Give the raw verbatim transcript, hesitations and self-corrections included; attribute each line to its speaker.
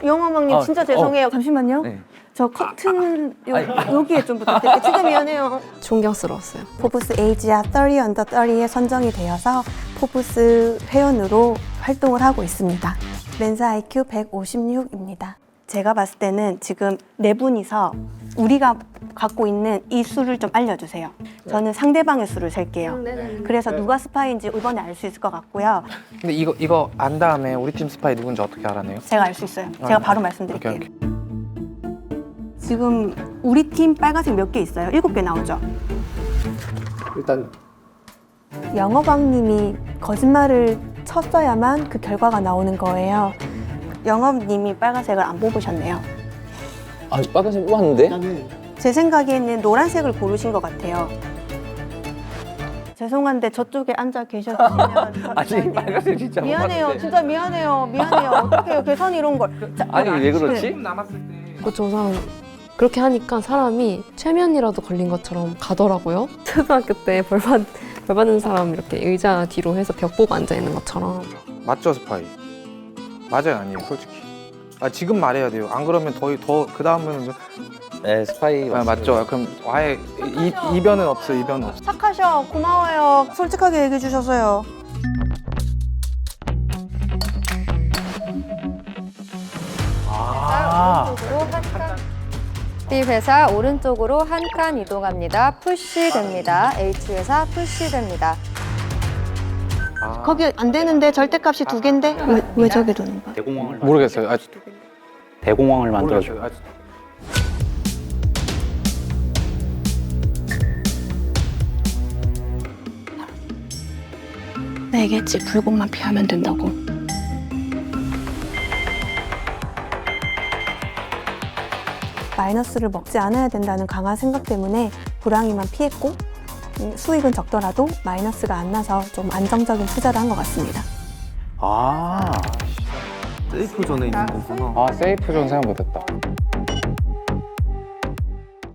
Speaker 1: 영화망님
Speaker 2: 아,
Speaker 1: 진짜 죄송해요. 잠시만요.
Speaker 2: 네.
Speaker 1: 저 커튼 요, 여기에 좀 부탁드릴게요. 진짜 미안해요.
Speaker 3: 존경스러웠어요.
Speaker 1: 포브스 에이지아 삼십 언더 삼십에 선정이 되어서 포브스 회원으로 활동을 하고 있습니다. 멘사 아이큐 백오십육입니다. 제가 봤을 때는 지금 네 분이서 우리가 갖고 있는 이 수를 좀 알려주세요. 저는 상대방의 수를 셀게요. 그래서 누가 스파이인지 이번에 알 수 있을 것 같고요.
Speaker 4: 근데 이거 이거 안 다음에 우리 팀 스파이 누군지 어떻게 알아내요?
Speaker 1: 제가 알 수 있어요. 제가 바로 말씀드릴게요.
Speaker 4: 오케이, 오케이.
Speaker 1: 지금 우리 팀 빨간색 몇 개 있어요? 일곱 개 나오죠?
Speaker 5: 일단
Speaker 1: 영업왕님이 거짓말을 쳤어야만 그 결과가 나오는 거예요. 영업님이 빨간색을 안 뽑으셨네요.
Speaker 2: 아, 빨간색 뽑았는데?
Speaker 1: 제 생각에는 노란색을 고르신 것 같아요. 죄송한데 저쪽에 앉아 계셨으면
Speaker 2: 아니, 빨간색 진짜
Speaker 1: 미안해요.
Speaker 2: 뽑았는데.
Speaker 1: 진짜 미안해요. 미안해요. 어떡해요. 계산 이런 걸. 자,
Speaker 2: 아니, 왜 그렇지?
Speaker 4: 남았을 때
Speaker 3: 그저 사람 그렇게 하니까 사람이 최면이라도 걸린 것처럼 가더라고요. 초등학교 때 벌받 벌 받는 사람 이렇게 의자 뒤로 해서 벽 보고 앉아 있는 것처럼.
Speaker 4: 맞죠 스파이? 맞아요 아니에요 솔직히. 아 지금 말해야 돼요. 안 그러면 더더그 다음은
Speaker 2: 네, 스파이
Speaker 4: 아, 맞죠. 그럼 아예 이, 이변은 없어 이변은 없어.
Speaker 1: 착하셔. 고마워요. 솔직하게 얘기해 주셔서요.
Speaker 2: 아,
Speaker 6: B 회사 오른쪽으로 한 칸 이동합니다. 푸시 됩니다. H 회사 푸시 됩니다.
Speaker 4: 아,
Speaker 1: 거기 안 되는데 절대값이 두 개인데 왜, 왜 저게 도는 거야?
Speaker 5: 대공황을
Speaker 4: 모르겠어요. 아,
Speaker 5: 대공황을 만들어줘.
Speaker 4: 모르겠어요. 아,
Speaker 1: 내겠지. 불공만 피하면 된다고. 마이너스를 먹지 않아야 된다는 강한 생각 때문에 불황이만 피했고 음, 수익은 적더라도 마이너스가 안 나서 좀 안정적인 투자를 한 것 같습니다.
Speaker 5: 아,
Speaker 2: 세이프 존에 있는 거구나.
Speaker 4: 아 세이프 존 생각 못했다.